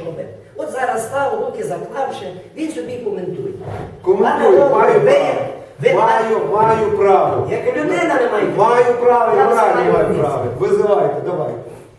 робити. От зараз став, руки заклавши, він собі коментує. Коментую, маю право. Як людина не має права. Маю право, Я морально маю знаю, право. Визивайте, давай.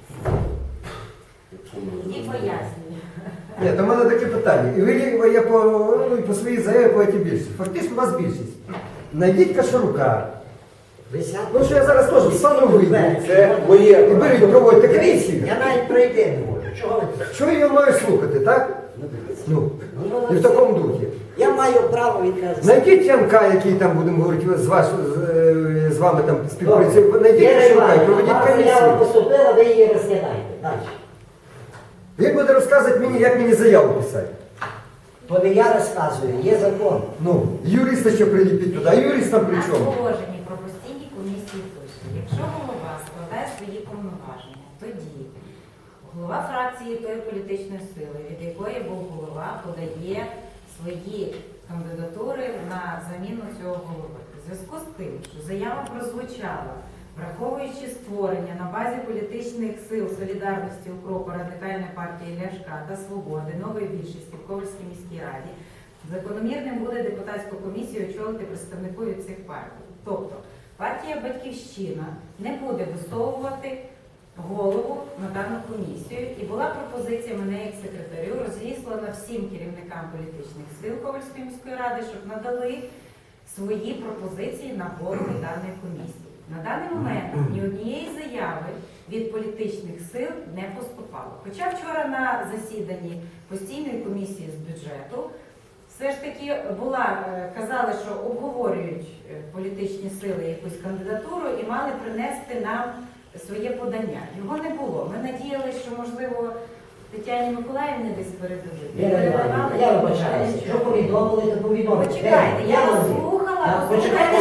І пояснюю. Ні, то в мене таке питання. І ви я по своїй заяві платі більшість. Фактично у вас більшість. Найдіть Кашарука. Ну що я зараз теж встану вийду. Це моє. І беріть, проводьте комісію. Я навіть пройти не можу. Чого ви? Що я маю слухати, так? Ну, і в такому духі. Я маю право відказати. Знайдіть Янка, який там, будемо говорити, з вами там співпрацює. Знайдіть Кашарука і проведіть Я комісію. поступила, ви її розглядаєте. Далі. Він буде розказувати мені, як мені заяву писати. То не я розказую, є закон. Ну, юриста ще приліпіть туди, а юрист там при На чому? положенні про постійні комісії пише, якщо голова складає свої повноваження, тоді голова фракції тої політичної сили, від якої був голова, подає свої кандидатури на заміну цього голови. У зв'язку з тим, що заява прозвучала, враховуючи створення на базі політичних сил Солідарності Укропу, Радикальної партії Ляшка та Свободи нової більшості в Ковальській міській раді, закономірним буде депутатську комісію очолити представнику від цих партій. Тобто партія «Батьківщина» не буде висовувати голову на дану комісію. І була пропозиція мене як секретарю розіслана всім керівникам політичних сил Ковальської міської ради, щоб надали свої пропозиції на голову даної комісії. На даний момент ні однієї заяви від політичних сил не поступало. Хоча вчора на засіданні постійної комісії з бюджету все ж таки казали, що обговорюють політичні сили якусь кандидатуру і мали принести нам своє подання. Його не було. Ми надіялися, що, можливо, Тетяні Миколаївні десь передадуть. Я вибачаюся. Що повідомили, то повідомили. Почекайте, я вас слухала. Почекайте,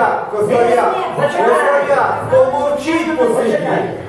Косоя, помовчіть посидіть.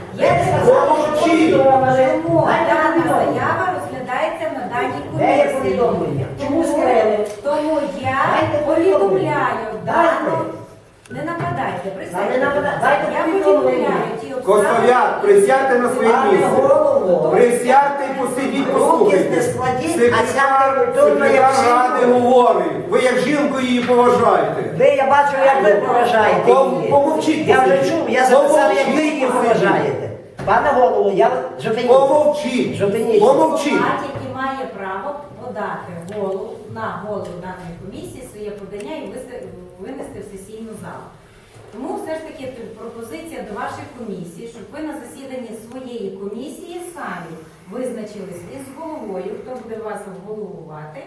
Помовчіть. Чому дана заява розглядається на даній Де є комісії? повідомлення? Чому скрили? Тому я Дайте повідомляю Дайте. дану. Не нападайте, Не присядьте. нападайте. Дайте Я повідомлення. повідомляю ті Косоя, присядьте на своє Пане місце. голово, Присядьте і посидіть, руки послухайте. не складіть, а сядьте культурно, як Секретар ради жінка. говорить. Ви як жінку її поважаєте. Ви, я бачу, як ви поважаєте її. Помовчіть. Я вже чув, я записав, як ви її Помовчіть. поважаєте. Пане голово, я жовтиність. Помовчіть. Жовтиність. Помовчіть. Депутат, який має право подати на голову даної комісії своє подання і винести в сесійну залу. Тому все ж таки пропозиція до вашої комісії, щоб ви на засіданні своєї комісії самі визначились із головою, хто буде вас обголовувати,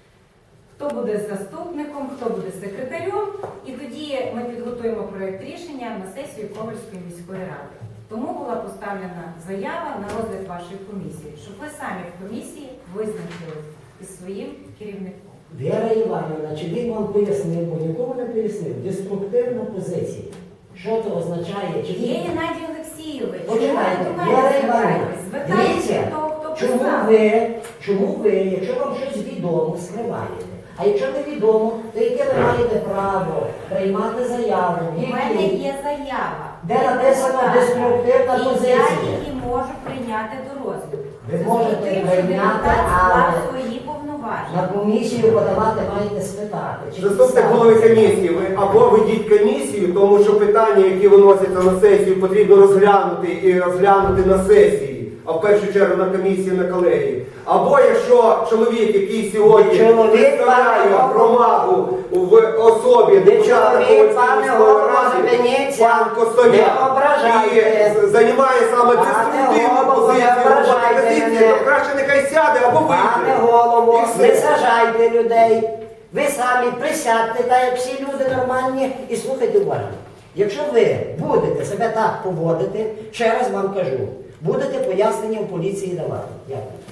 хто буде заступником, хто буде секретарем, і тоді ми підготуємо проєкт рішення на сесію Ковальської міської ради. Тому була поставлена заява на розгляд вашої комісії, щоб ви самі в комісії визначились із своїм керівником. Віра Іванівна, чи він вам пояснив, бо нікому не пояснив, деструктивна позиція. Що це означає? Чи Є він... Геннадій Олексійович. Почекайте, Чому ви до Віра мене Іванівна, звертаєтесь? Звертайтеся дивіться, до того, хто чому писав. ви, якщо вам щось відомо, скриваєте? А якщо не відомо, то яке ви маєте право приймати заяву? У мене є заява. Де написано деструктивна І я позиція? її можу прийняти до розгляду. Ви Це можете тим, що прийняти, депутат але склав свої повноваження. на комісію подавати маєте спитати. Чи Заступник підстави? голови комісії, ви або ведіть комісію, тому що питання, які виносяться на сесію, потрібно розглянути і розглянути на сесії, а в першу чергу на комісії, на колегії. Або якщо чоловік, який сьогодні представляє громаду в особі депутата Ковальської ради, пан Косоя, і займає саме деструктивну позицію роботи комісії, то краще нехай сяде або Пане вийде. голово, І все. не сажайте людей. Ви самі присядьте, так як всі люди нормальні, і слухайте уважно. Якщо ви будете себе так поводити, ще раз вам кажу, будете пояснення в поліції давати. Дякую.